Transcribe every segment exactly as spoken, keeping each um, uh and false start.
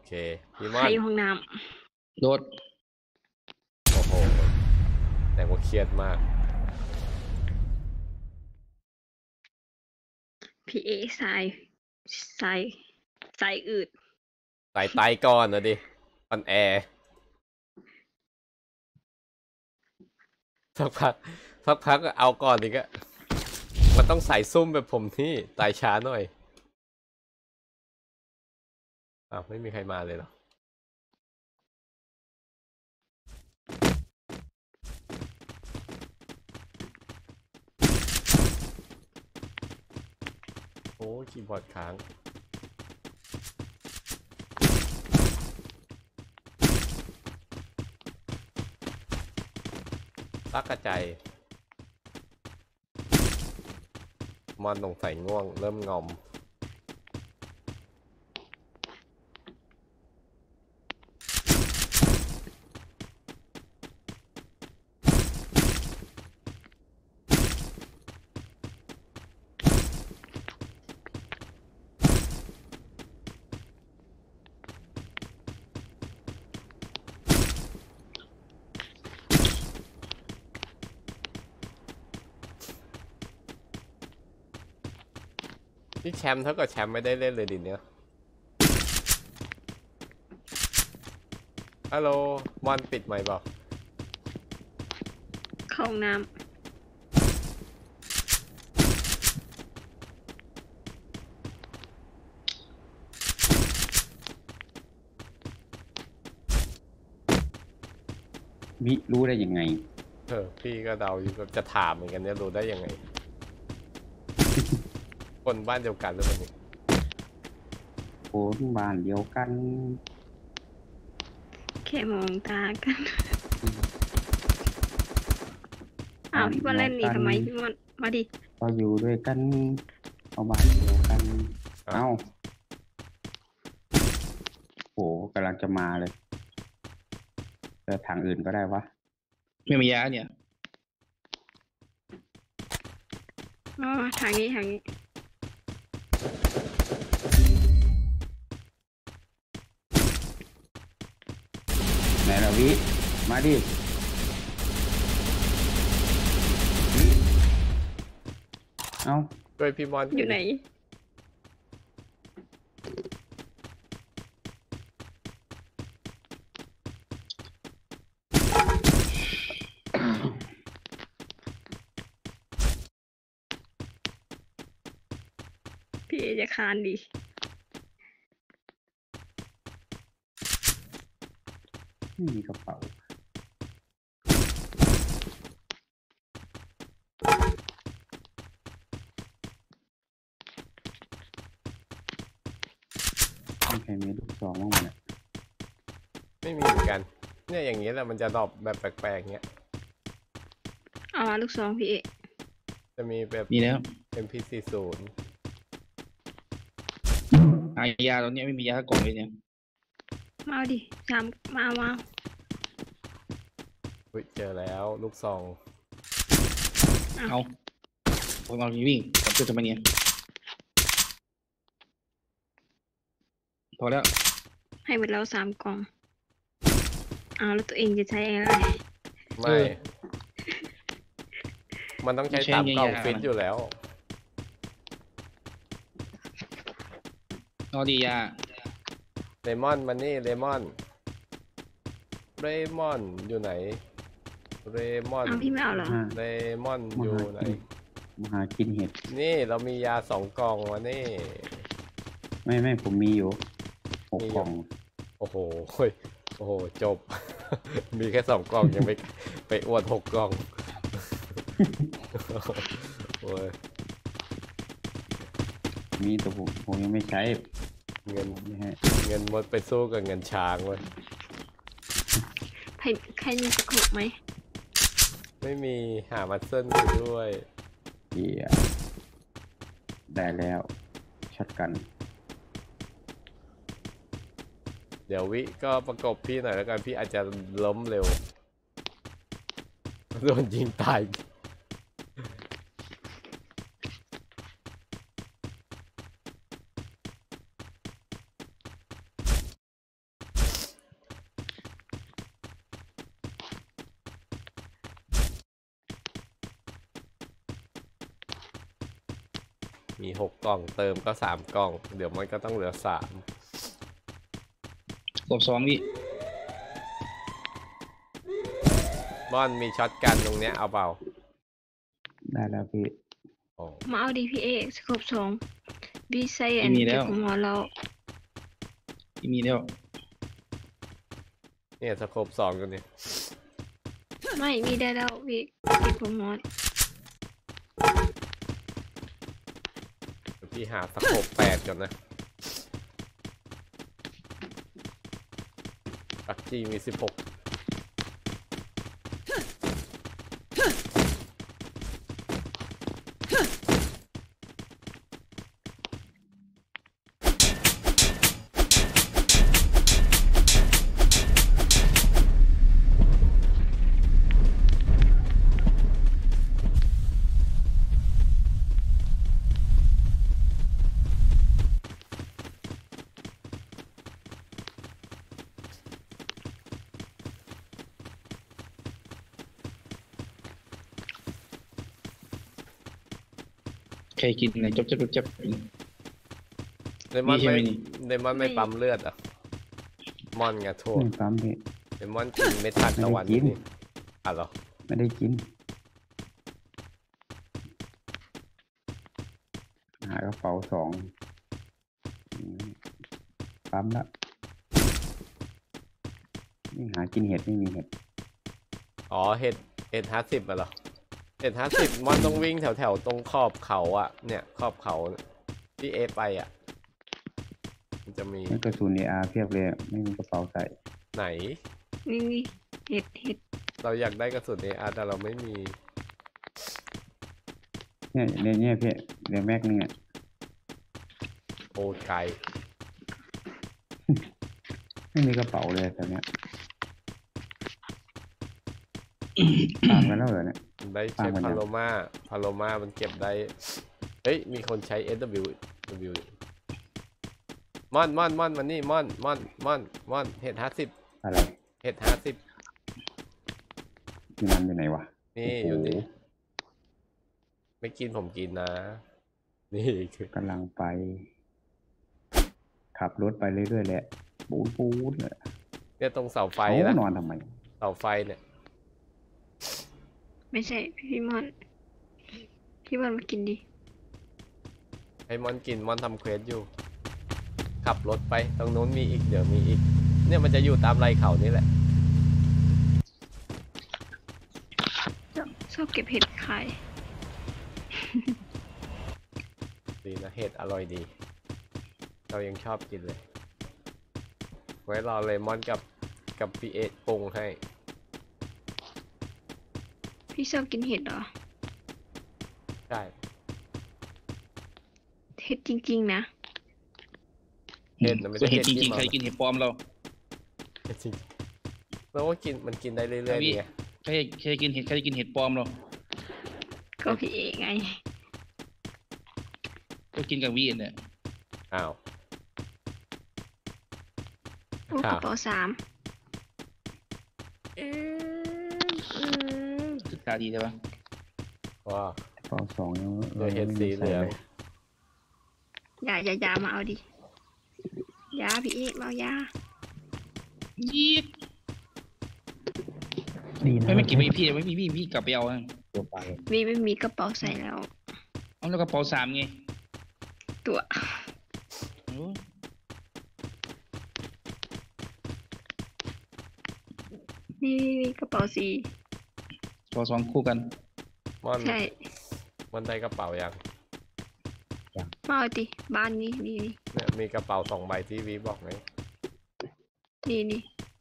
เคพี่มใครอนอยู่ห้องน้โดดโอ้โหแต่ว่าเครียดมากำพี่เอสายสายสายอืดใส่ไตก่อนนะดิออนแอร์สักพักสักพักก็เอาก่อนอีกอะมันต้องใส่ซุ่มแบบผมที่ไตช้าหน่อยอ้าวไม่มีใครมาเลยเหรอโอ้คีย์บอร์ดค้างตักกระจายมอนตรงใส่ง่วงเริ่มงอมนี่แชมป์เท่ากับแชมป์ไม่ได้เล่นเลยดิเนี่ยฮัลโหลมอนปิดไหมค์เปล่าเข้าห้องน้วิรู้ได้ยังไงเออพี่ก็เดาอยู่จะถามเหมือนกันเนี่ยรู้ได้ยังไง คนบ้านเดียวกันหรือเปล่านี่คนบ้านเดียวกันำแค่มองตากันอ้าวพี่บอลเล่นหนีทำไมพี่บอลมาดิเราอยู่ด้วยกันเอาบ้านเดียวกันเอ้าโหกำลังจะมาเลยเจอทางอื่นก็ได้วะไม่มียาเนี่ยอ๋อทางนี้ทางนี้ไหนล่ะวิมาดิเอ้าด้วยพี่มอนอยู่ไหนพี่เอจะคานดิไม่มีกระเป๋าไม่ใครมีลูกซองบ้างเนี่ยไม่มีเหมือนกันเนี่ยอย่างนี้แหละมันจะดรอปแบบแปลกๆเงี้ยอ๋อลูกซองพี่เอจะมีแบบมีแล้วเอ็ม พี สี่สิบอายาตอนนี้ไม่มียาสักกล่องเลยเนี่ยมาดิสามมามาอุ๊ยเจอแล้วลูกซองเอาผมเอาวิ่งผมจะทำไมเนี่ยพอแล้วให้หมดแล้วสามกล่องอ้าวแล้วตัวเองจะใช้อะไรไม่ มันต้องใช้สามกล่องฟิตอยู่แล้วนอดียาเลมอนมันนี่เลมอนเรมอนอยู่ไหนเรมอนอ้าวพี่ไม่เอาเหรอเลมอนอยู่ไหนมาหากินเห็ดนี่เรามียาสองกล่องวะนี่ไม่ไม่ผมมีอยู่หกกล่องโอ้โหโอ้โหจบ มีแค่สองกล่องยังไปไปอวดหกกล่องโอ้ยมีแต่ผมผมยังไม่ใช้เงินเงินหมดไปสู้กับเงินช้างเว้ยใครใครมีสกุลไหมไม่มีหามัดเส้นอยู่ด้วยเหี้ยได้แล้วช็อตกันเดี๋ยววิก็ประกบพี่หน่อยแล้วกันพี่อาจจะล้มเร็วโดนยิงตายมีหกกล่องเติมก็สามกล่อง เดี๋ยวมันก็ต้องเหลือสามกบสองพี่ม่อนมีช็อตกันตรงเนี้ยเอาเปล่าได้แล้วพี่โอ้มาเอาดีพี่เอสครบสองบีไซแอนเก็บของหมอเราพี่มีแล้วเนี่ยสโคปสองกันเนี่ยไม่มีได้แล้วพี่เก็บของหมอเดี๋ยวพี่หาสโคปแปดก่อนนะปักจีมีสิบหกใครกินอะไรจ๊บจ๊บจ๊บจ๊บเลมอนมีใช่ไม่ไหมนี่เลมอนไม่ปั๊มเลือดเหรอ่ะมอนไงโทษไม่ปั๊มพี่เลมอนกินเม็ดทานตะวันไม่ได้กินนี่อ่ะเหรอไม่ได้กิน หากระเป๋าสองอืมปั๊มละนี่หากินเห็ดไม่มีเห็ดอ๋อเห็ดเห็ดห้าสิบอ่ะเหรอเห็ดห้าสิบมอนต้องวิ่งแถวแถวๆตรงขอบเขาอ่ะเนี่ยขอบเขาที่เอไปอ่ะมันจะมีนี่กระสุนเออาร์เพียบเลยไม่มีกระเป๋าใส่ไหนนี่นี่เห็ดเห็ดเราอยากได้กระสุน เอ อาร์ แต่เราไม่มีเนี่ยเนี่ยเนี่ยพี่เรียแม็กนี่ไงโอ้ไกลไม่มีกระเป๋าเลยแต่เนี้ย ตามกันแล้วเหรอเนี่ยได้ใช้ฟังมันยังพาโลมาพาโลมามันเก็บได้ เฮ้ย มีคนใช้ เอส ดับเบิลยู ดับเบิลยู ม่อนม่อนม่อนมันนี่ม่อนม่อนม่อนม่อนเห็ดห้าสิบอะไรเห็ดห้าสิบที่มันอยู่ไหนวะนี่โอ้โหอยู่นี่ ไม่กินผมกินนะ นี่คือกำลังไป ขับรถไปเรื่อยๆแหละปูดปูดเลยเนี่ยตรงเสาไฟเขานะนอนทำไมเสาไฟเนี่ยไม่ใช่พี่มอนพี่มอนมากินดิให้ม่อนกินม่อนทำเควสอยู่ ขับรถไปตรงนู้นมีอีกเดี๋ยวมีอีก เนี่ยมันจะอยู่ตามไรเขานี่แหละชอบชอบเก็บเห็ดขายดีนะเห็ดอร่อยดี เรายังชอบกินเลย ไว้รอเลมอนกับกับพีเอปรุงให้พี่ชอบกินเห็ดเหรอใช่เห็ดจริงๆนะเห็ดนะไม่ส่วใช่นเห็ดจริงๆเห็ใครดกินเห็ดปลอมเราจริงแล้วก็กินมันกินได้เรื่อยๆพี่เนี่ยใครใครกินเห็ดใครกินเห็ดปลอมเราก็พี่เอไงก็กินกับวีนเนี่ยอ้าวโอ้กระเป๋าสามเออคือตาดีใช่ปะว้าวกระเป๋าสองยังเดี๋ยวเห็ดสีเหลืองอย่าอย่าอย่ามาเอาดิยาพี่เอมาเอายายีดดีนะไม่ไม่กินไม่พี่ไม่พี่พี่พี่กลับไปเอาอะตัวไปวีไม่มีกระเป๋าใส่แล้วเอาแล้วกระเป๋าสามไงตัวโอ้นี่นี่นี่กระเป๋าสีกระเป๋าสองคู่กันม่อนใช่มันได้กระเป๋ายังมาเอาดิบ้านนี้นี่นี่เนี่ยมีกระเป๋าสองใบที่วีบอกไหมนี่นี่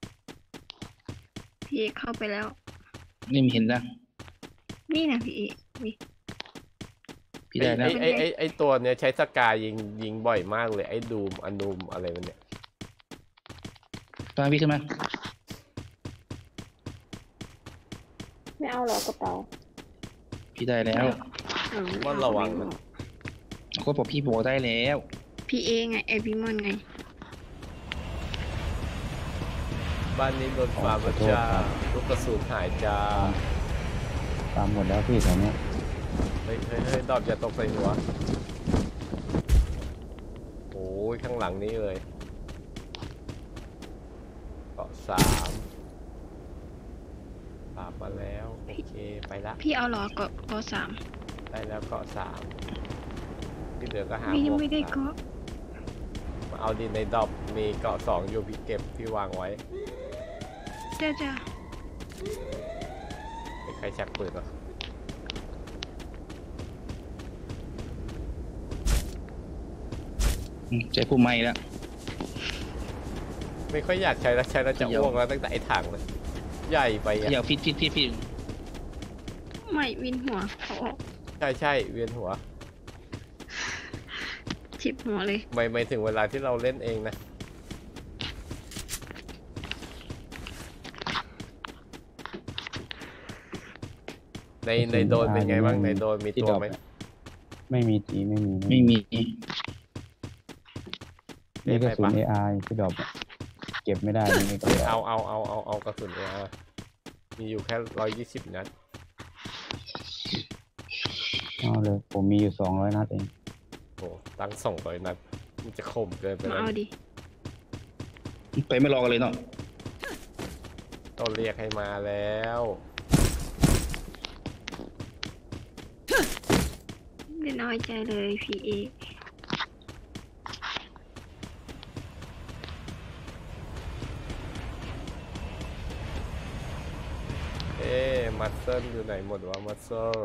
พี่เอเข้าไปแล้วนี่มีเห็นนะนี่นะพี่เอนี่พี่ได้นะไอไอไอไอตัวเนี้ยใช้สกายยิงยิงบ่อยมากเลยไอดูมอนูมอะไรมันเนี่ยตามพี่ขึ้นมาไม่เอาหรอกระเป๋าพี่ได้แล้วม่อนระวังมันก็บอกพี่บอกได้แล้วพี่เอไงไอพี่มอนไงบ้านนี้โดนฟาร์มแล้วจ้าลูกกระสุนหายจ้าตามหมดแล้วพี่แถวเนี้ยเฮ้ยเฮ้ยเฮ้ยดอบอย่าตกใส่หัวยข้างหลังนี้เลยเกาะสามปราบมาแล้วโอเคไปละพี่เอาเหรอเกาะเกาะสามได้แล้วเกาะสามที่เหลือก็หาไม่หมวกไม่ได้สามเกาะมาเอาดินในดรอปมีเกาะสองอยู่พี่เก็บพี่วางไว้จ้าจ้าเป็นใครชักปืนเหรออืมใจผู้ไม่แล้วไม่ค่อยอยากใช้แล้วใช้แล้วจะเดี๋ยวอ้วกแล้วตั้งแต่ไอ้ถังเลยใหญ่ไปเดี๋ยอ่ะวฟิตฟิตฟิตฟิตไม่วินหัวเขาออกใช่ใช่เวียนหัวฉิบหัวเลยไม่ไม่ถึงเวลาที่เราเล่นเองนะในในโดนเป็นไงบ้างในโดนมีตัวไหมไม่มีตีไม่มีไม่มีนี่กระสุน เอ อาร์ ที่ดรอปอะเก็บไม่ได้นี่ก็เอาเอาเอาเอาเอากระสุนเออามีอยู่แค่ร้อยยี่สิบนัดเอาเลย ผมมีอยู่สองร้อยนัดเองโอ้ตั้งสองร้อยนัดมันจะคมเกินไปมาแล้วเอาดิไปไม่รอกันเลยเนาะต้องเรียกให้มาแล้วไม่น้อยใจเลยพี่เอเอ๊ะมัสเซิลอยู่ไหนหมดวะมัสเซิล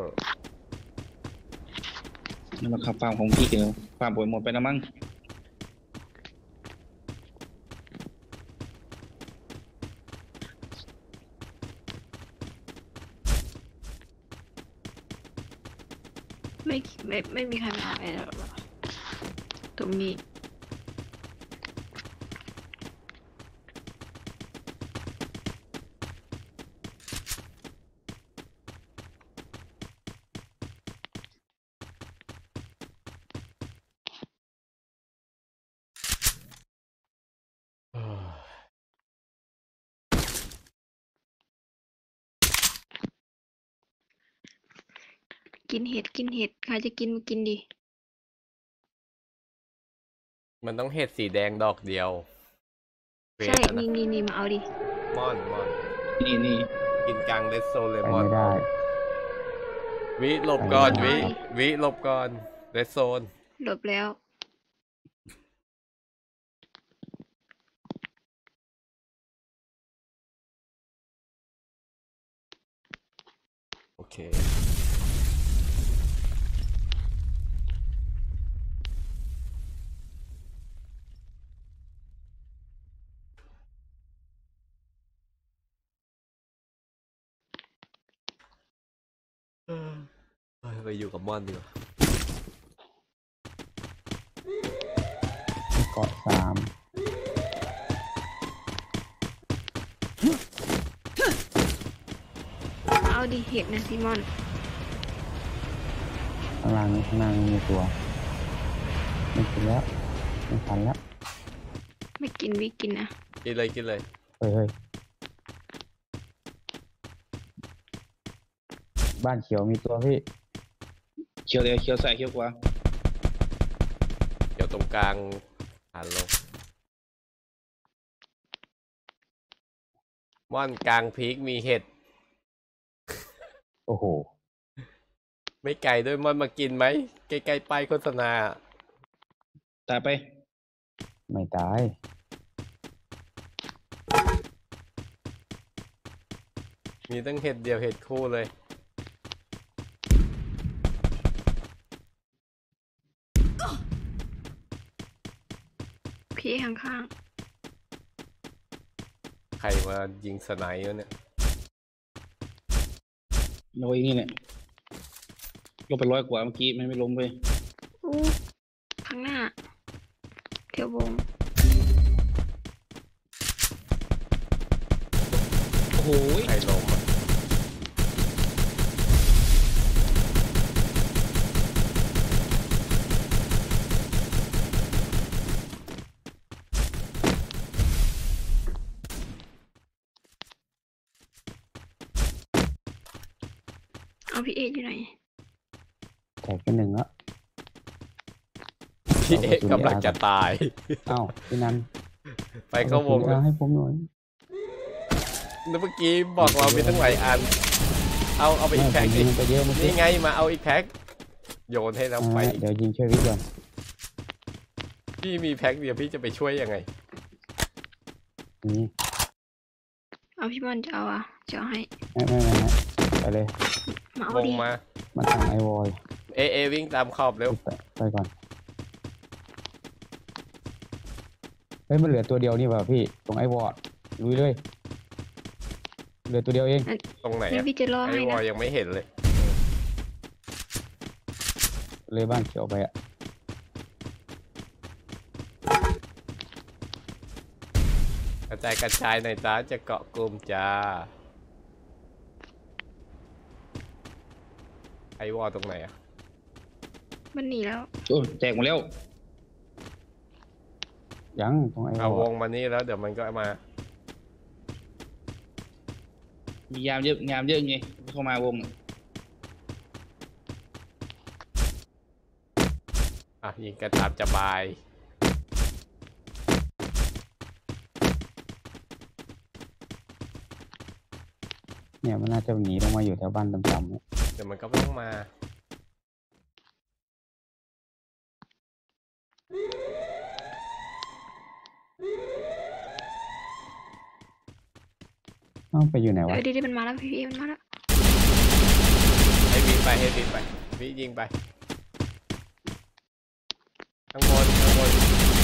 นี่มาขับฟาร์มของพี่กันฟาร์มป่วยหมดไปแล้วมั้งไม่ไม่ไม่มีใครมาอะไรหรอกตรงนี้เอ้อกินเห็ดกินเห็ดใครจะกินมากินดิมันต้องเห็ดสีแดงดอกเดียวเฟสใช่อะนะนี่นี่นี่มาเอาดิมอนมอนนี่นี่กินกลางเลสโซเลไปมอนไม่ได้วิหลบก่อนไปไม่วิได้วิหลบก่อนเลสโซนหลบแล้วโอเคเออเฮ้ยไปอยู่กับมอนดีกว่าเกาะสามมาเอาดิเห็ดนะซิมอนข้างล่างนี้ข้างล่างนี้มีตัว ไม่กินแล้ว ไม่ทันแล้วไม่กินวิกินนะกินเลยกินเลยเฮ้ยเฮ้ยบ้านเขียวมีตัวพี่เขียวเลยเขียวใส่เขียวกว่าเดี๋ยวตรงกลางหันลงม่อนกลางพีกมีเห็ดโอ้โหไม่ไกลด้วยม่อนมากินไหมใกล้ๆป้ายโฆษณาตายไปไม่ตายมีตั้งเห็ดเดียวเห็ดคู่เลยพี่ข้างใครมายิงสไนเปอร์เนี่ยโอ้ยนี่เนี่ยลงไปร้อยกว่าเมื่อกี้ไม่ไม่ล้มไปๆอู้ข้างหน้าเที่ยววงโอ้โหใครลงอะเอาพี่เออยู่ไหนแตกไปหนึ่งแล้วพี่เอ๊ะกำลังจะตายเอ้าพี่นันไปเข้าวงเอาให้ผมหน่อยเมื่อกี้บอกเรามีตั้งหลายอัน เอาเอาไปอีกแพ็คยิดิงไปเยอะเมื่อกี้นี่ไงมาเอาอีกแพ็คโยนให้เราไปอ่าเดี๋ยวยิงช่วยวิทย์ก่อนพี่มีแพ็คเดียวพี่จะไปช่วยยังไงนี่เอาพี่บอลจะเอาอ่ะจะเอาให้ไม่ไม่ไม่ไม่ไปเลยมาเอาวงดิมามาทางไอวอลเอเอวิ่งตามขอบเร็วไปไปก่อนเฮ้ยมันเหลือตัวเดียวนี่ป่ะพี่ตรงไอวอลลุยเลยเหลือตัวเดียวเองตรงไหนงั้อะนพี่จะรอไอให้วอนะลยังไม่เห็นเลยเลยบ้านเขียวไปอ่ะกระจายกระจายหน่อยจ้าจะเกาะกลุ่มจ้าไอวอลตรงไหนอะมันหนีแล้วโอ้แจกหมดแล้วยังตรงไอวเอาอวลงมานี่แล้วเดี๋ยวมันก็มามียามเยอะยามเยอะไงเข้ามาวงน่ะอ่ะยิงกระตามจะบายเนี่ยมันน่าจะหนีลงมาอยู่แถวบ้านต่ำๆเนี่ยเดี๋ยวมันก็ต้องมาเอ้าไปอยู่ไหนเอวะอดีๆมันมาแล้วพี่พี่มันมาแล้วให้วิ่งไปให้วิ่งไปวิ่งยิงไปข้างบนข้างบน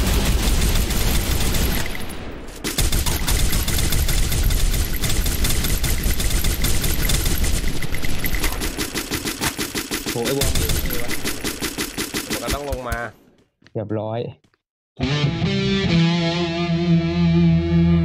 โหไอ้วอลเยอะเลยวะมันก็ต้องลงมาเรียบร้อย